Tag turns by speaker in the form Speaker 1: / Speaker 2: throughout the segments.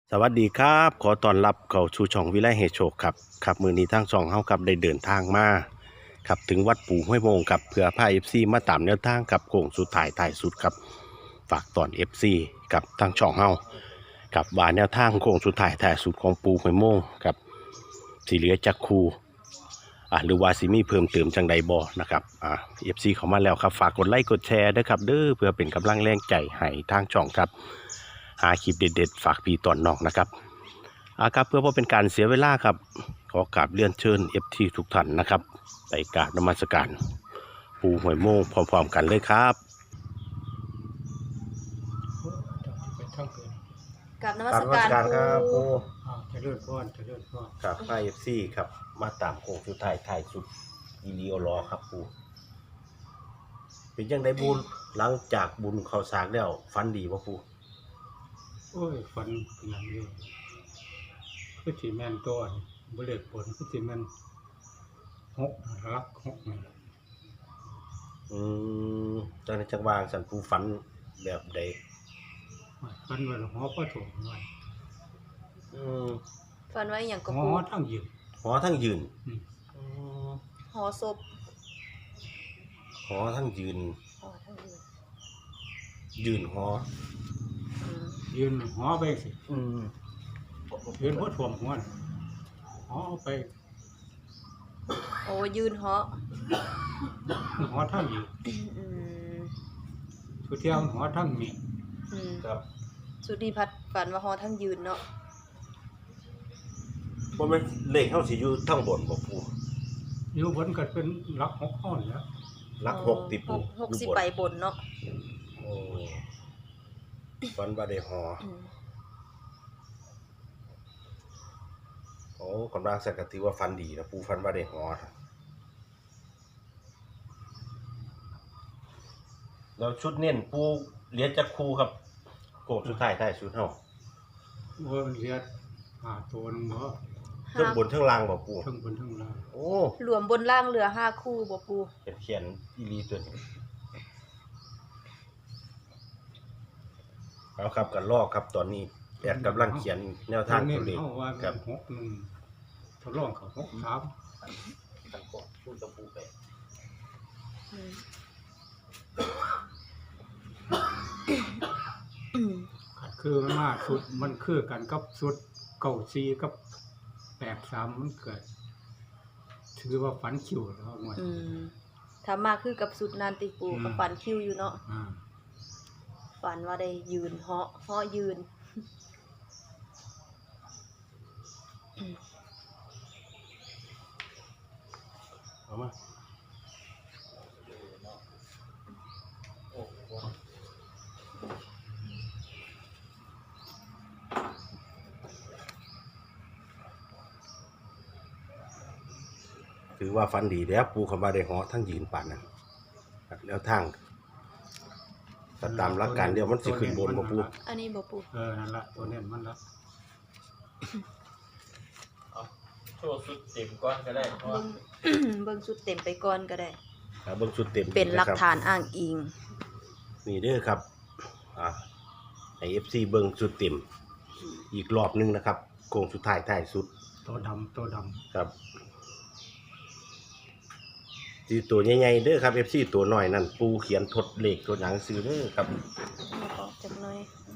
Speaker 1: สวัสดีครับขอต้อนรับเข้าสู่ช่องวิไลเฮโชคครับมื้อนี้ทางช่องเฮาครับได้เดินทางมาครับถึงวัดปู่ห้วยโมงครับเพื่อพา FC มาตามแนวทางกับโค้งสุดท้ายสุดครับฝากตอน FC กับทางช่องเฮากับว่าแนวทางโค้งสุดท้ายสุดของปู่ห้วยโมงครับสิเหลือจักคูหรือว่าสิมีเพิ่มเติมจังใดบ่นะครับFC เข้ามาแล้วครับฝากกดไลค์กดแชร์ด้วยครับเด้อเพื่อเป็นกำลังแรงใจให้ทางช่องครับหาคลิปเด็ดๆฝากพี่ตอนน้องนะครับครับเพื่อบ่เป็นการเสียเวลาครับขอกราบเรียนเชิญ FT ทุกท่านนะครับไปกราบนมัสการปู่ห้วยโมงพร้อมๆกันเลยครับ
Speaker 2: ไปทั้งคืน
Speaker 3: กับนมัสการปู
Speaker 2: จะเลื่อนก้อนจะเลื่อนก้อน
Speaker 1: ครับIFC ครับมาตามโค้งสุดท้ายสุดอีลีโอรอครับปู่เป็นยังได้บุญหลังจากบุญเข้าสากแล้วฟันดีบ่ปู่
Speaker 2: โอ้ยฝันเป็นอย่างนี้คือสีแมนตัวนี่บริเลตผลคือสีแมนหกรักหกนี่
Speaker 1: ตอนนี้จังหวางสันปู่ฝันแบบใด
Speaker 2: ฝันว่าหอประถมไว้
Speaker 3: ฟันไว้อย่างกับ
Speaker 2: หอ
Speaker 3: ปู
Speaker 2: ทั้งยืน
Speaker 1: หอทั้งยืน
Speaker 3: หอศพ
Speaker 1: หอทั้งยืน
Speaker 3: หอทั้งยืน
Speaker 1: ยืนหอ
Speaker 3: อืม
Speaker 2: ยืนหอไปสิยืนหัวถ่วมหัวน่ะหอไป
Speaker 3: โอ้ยืนหอ
Speaker 2: หอทั้งยืน
Speaker 3: อืม
Speaker 2: สุดเที่ยวหอทั้งมี
Speaker 3: อืม
Speaker 1: ครับ
Speaker 3: สุดีพัดฝันว่าหอทั้งยืนเนาะ
Speaker 1: บ่แม่นเลขเฮาสิอยู่ทั้งบนบ่ปู่
Speaker 2: อยู่บนก็เป็นรักหกข้อนี่แหล้ว
Speaker 1: หลักหกติปู่
Speaker 3: 60
Speaker 1: อยู่บน
Speaker 3: ใบบนเนาะ
Speaker 1: โอ้ฝันว่าได้หอ
Speaker 3: อืม
Speaker 1: โอ้กำลังสักกะถือว่าฟันดีนะปูฟันว่าได้หอแล้วชุดเน้นปูเหรียญจักคูครับโกดสุดท้ายชุดเฮา
Speaker 2: ว่าเรียดตัวนึงบ่
Speaker 1: เทั้งบนเทั้งล่างบ่ปู
Speaker 2: ทั้งบนทั้งล่าง
Speaker 1: โอ้
Speaker 3: รวมบนล่างเหลือ5คู่บ่ปู
Speaker 1: เขียนอีหลีตัวนี้เอาครับกันลอกครับตอนนี้แอดกำลังเขียนแนวทางตัวเลข
Speaker 2: เขาว่า
Speaker 1: ครับ
Speaker 2: หกหนึ่งทดลองเขาหกสาม
Speaker 1: ตั้งก่อนพูดกับปูไป
Speaker 3: อืมอืม
Speaker 2: คือมันมาสุดมันคือกันกับสุดเก้าซีกับแปดสามมันเกิด ถือว่าฝันคิวแล้วหน่วย
Speaker 3: อืมถ้ามาคือกับสุดนานติปูกับฝันคิวอยู่เนาะ
Speaker 2: อ่า
Speaker 3: ฝันว่าได้ยืนเหาะยืน
Speaker 1: เอามาถือว่าฟันดีแล้วปูคำว่าได้หอทั้งยืนป่านนั้นครับแล้วทางก็ตามหลักการเดียวมันสิขึ้นบนบ่ปู
Speaker 3: อันนี้บ่ปู
Speaker 2: นั่นละตัวเน้นมันละ
Speaker 4: โชว์สุดเต็มก้อนก็ได้เพราะ
Speaker 3: เบิ่
Speaker 4: ว่าง
Speaker 3: เบิ่งสุดเต็มไปก่อนก็ได้
Speaker 1: เบิ่งชุดเต็ม
Speaker 3: เป็นหลัก
Speaker 1: ะครับ
Speaker 3: ฐานอ้างอิง
Speaker 1: นี่เด้อครับให้ FC เบิ่งชุดเต็มอีกรอบนึงนะครับโค้งสุดท้ายสุด
Speaker 2: ตัวดำตัวด
Speaker 1: ครับที่ตัวใหญ่ๆเด้อครับ FC ตัวน้อยนั่นปูเขียนทดเลขตัวหนังสือเด้อครับ
Speaker 3: เอาออกจากหน่อย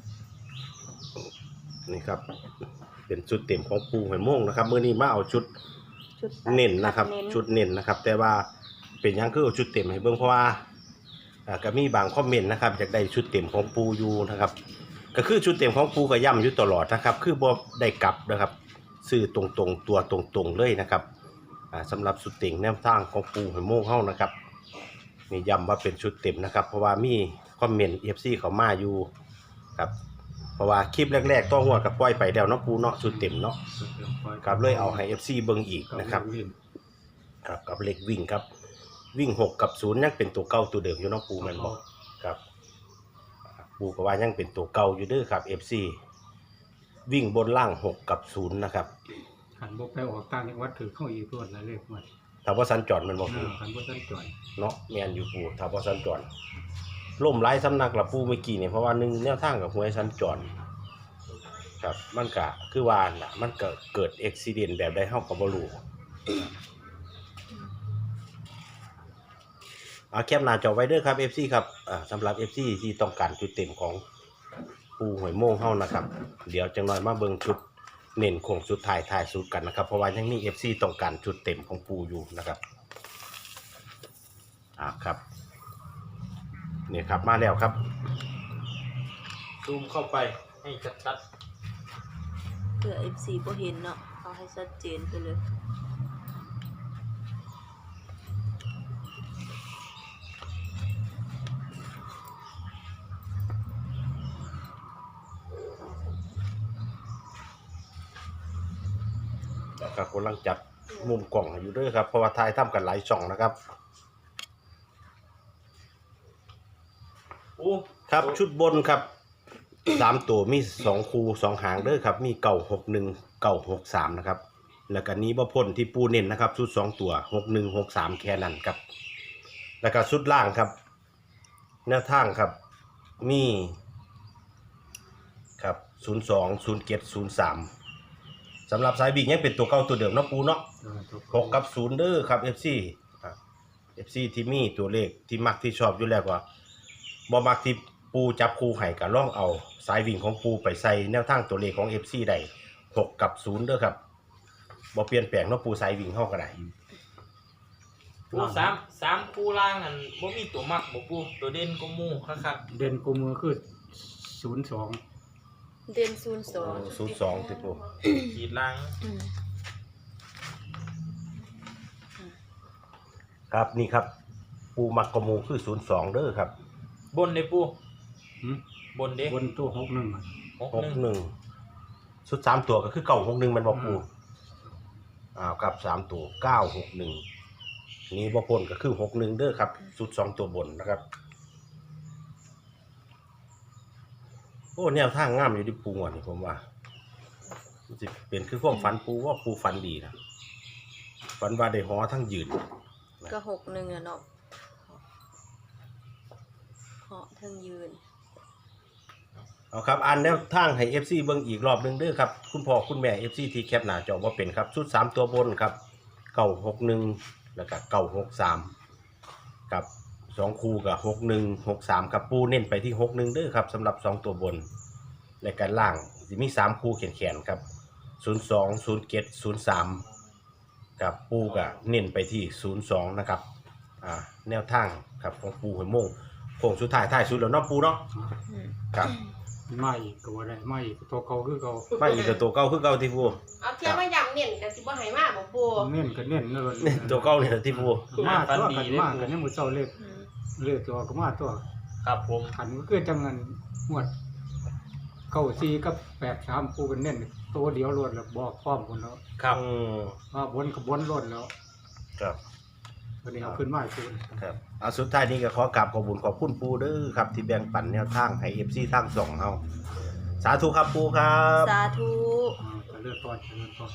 Speaker 1: นี่ครับ เป็นชุดเต็มของปูหอยโม่งนะครับมื้อนี้มาเอาชุด
Speaker 3: ชุด
Speaker 1: เน้นนะครับ
Speaker 3: เน้น
Speaker 1: ชุดเน้นนะครับ แต่ว่าเป็นหยังคือเอาชุดเต็มให้เบิ่งเพราะว่าก็มีบางคอมเมนต์นะครับอยากได้ชุดเต็มของปูอยู่นะครับ ก็คือชุดเต็มของปูก็ย่ำอยู่ตลอดนะครับ คือบ่ได้กลับนะครับซื้อตรงๆตัวตรงๆเลยนะครับสำหรับชุดเต็มแนวทางของปูหอยโม่งเฮานะครับนี่ย้ำว่าเป็นชุดเต็มนะครับ เพราะว่ามีคอมเมนต์ FC เขามาอยู่ครับเพราะว่าคลิปแรกๆต้องหัวกับปล่อยไปแล้วเนาะปูเนาะชุดเต็มเนาะ
Speaker 2: ำสุดเดียวปล่อย
Speaker 1: ครับเลยเอาให้ FC เบิ่งอีกนะครับ
Speaker 2: วิ่ง
Speaker 1: ครับกับเลขวิ่งครับวิ่ง6กับ0ยังเป็นตัวเก่าตัวเดิมอยู่เนาะปูแม่นบ่ครับปูก็ว่ายังเป็นตัวเก่าอยู่เด้อครับ FC วิ่งบนล่าง6กับ0นะครับ
Speaker 2: ขันบกไปออกต่างจังหวัดถือเข้าอีกรวดละเลขหมด
Speaker 1: ถ้าว่าสัญจรมันบ่ปู
Speaker 2: ขันบกสันจ่อย
Speaker 1: เนาะแม่นอยู่ปูถ้าว่าสัญจรล่มหลายสำนักละปูเมื่อกี้นี่เพราะว่าหนึ่งแนวทางกับหวยสัญจรครับมันก็คือว่าน่ะมันก็เกิดอุบิเหตุแบบใดเฮาก็บ่รู้แคปหน้าจอไว้เด้อครับ FC ครับสำหรับ FC ที่ต้องการจุดเต็มของปูหอยโม่งเฮานะครับเดี๋ยวจังหน่อยมาเบิ่งชุดเน้นโค้งสุดท้ายสุดกันนะครับเพราะว่ายังมี FC ต้องการจุดเต็มของปูอยู่นะครับครับนี่ครับมาแล้วครับ
Speaker 4: ซูมเข้าไปให้ชัด
Speaker 3: เพื่อ FC บ่เห็นเนาะเอาให้ชัดเจนไปเลย
Speaker 1: ครับกำลังจัดมุมกล่องอยู่ด้วยครับเพราะว่าทายทำกันหลายช่องนะครับ
Speaker 4: ๆอู้
Speaker 1: ครับชุดบนครับ3ตัวมี2คู่2หางเด้อครับมี961 963นะครับแล้วก็นี้บ่พ้นที่ปูเน้นนะครับชุด2ตัว61 63แค่นั้นครับแล้วก็ชุดล่างครับแนวทางครับมีครับ02 07 03สำหรับสายวิ่งยังเป็นตัวเก่าตัวเดิมเนาะปูเนาะ6กับ0เด้อครับ FC ที่มีตัวเลขที่มักที่ชอบอยู่แล้วว่าบ่มักที่ปูจับคู่ให้ก็ลองเอาสายวิ่งของปูไปใส่แนวทางตัวเลขของ FC ได้6กับ0เด้อครับบ่เปลี่ยนแปลงเนาะปูสายวิ่งเฮาก็ได้
Speaker 4: ปูสามคู่ล่างอันบ่มีตัวมักบ่ปูตัวเด่นก็หมู่คัก
Speaker 2: เด่นกูมือคือ02
Speaker 3: เด่น02
Speaker 1: 02ติปู
Speaker 4: ๆขีดล่าง
Speaker 1: ครับนี่ครับปูมักกะมูคือ02เด้อครับ
Speaker 4: บนเด้ปู
Speaker 2: หืม
Speaker 4: บนเด้
Speaker 2: บนตัว61อะ
Speaker 1: 61ชุด3ตัวก็คือ961มันบ่ปูครับ3ตัว961นี่บ่พ้นก็คือ61เด้อครับชุด2ตัวบนนะครับโอ้แนวทางงามอยู่ที่ปูอ่ะนี่ผมว่ามันสิเป็นคือความฝันปูว่าปูฝันดีนะฝันว่าได้หอทั้งยืน
Speaker 3: ก็61อ่ะเนาะเหาะทั้งยืน
Speaker 1: เอาครับอ่านแนวทางให้ FC เบิ่งอีกรอบหนึงเด้อครับคุณพ่อคุณแม่ FC ที่แคปหน้าจอว่าเป็นครับชุด3ตัวบนครับ961แล้วก็963กับ2คู่กับ6163ครับปูเน้นไปที่61เด้อครับสำหรับ2ตัวบนและกันล่างสิมี3คู่แขนๆครับ02 07 03กับปูก็เน้นไปที่02นะครับแนวทางครับของปูหอยโม่งโค้งสุดท้ายท้ายสุดแล้วเนาะปูเนาะครับ
Speaker 2: มาอีกก็บ่ได้มาอีกตัวเก่าคือเก่า
Speaker 1: มาอีกกับตัวเก่าคือเก่าที่ปู
Speaker 5: เอาเทียบมาย้ำเน้นก็สิบ่ให้มาบ่ปู
Speaker 2: เน้นก็เน้นเลย
Speaker 1: เนี่ยตัวเก่าเนี่ยที่ปู
Speaker 2: มาตัวกันมากันยังมื้อเช้าเลขตัวก็มาตัว
Speaker 4: ครับผม
Speaker 2: ขันก็คือจังเงินหวด94กับ83ปูกันเน้นตัวเดียวรวดแล้วบอกพร้อมพุ่นแล้ว
Speaker 4: ครับ
Speaker 2: ว่าบนกับบนรวดแล้ว
Speaker 1: ครับ
Speaker 2: วันนี้เอาขึ้นมาอีกคืน
Speaker 1: ครับสุดท้ายนี้ก็ขอกราบขอบคุณขอบคุณปูเด้อครับที่แบ่งปันแนวทางให้ FC ทาง2เฮาสาธุครับปูครับ
Speaker 3: สาธุ
Speaker 2: จะเลือกก่อนจะเลือกก่อน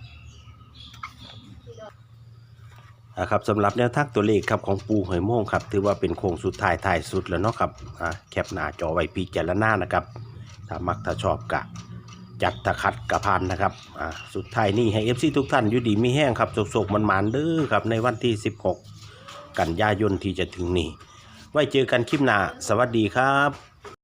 Speaker 1: ครับสำหรับแนวทางตัวเลขครับของปูหอยโม่งครับถือว่าเป็นโค้งสุดท้ายสุดแล้วเนาะครับแคปหน้าจอไว้พิจารณานะครับถ้ามักถ้าชอบกะจัดตะคัดกะพันนะครับสุดท้ายนี้ให้ FC ทุกท่านอยู่ดีมีแห้งครับโศกมันหมานเด้อครับในวันที่16กันยายนที่จะถึงนี้ไว้เจอกันคลิปหน้าสวัสดีครับ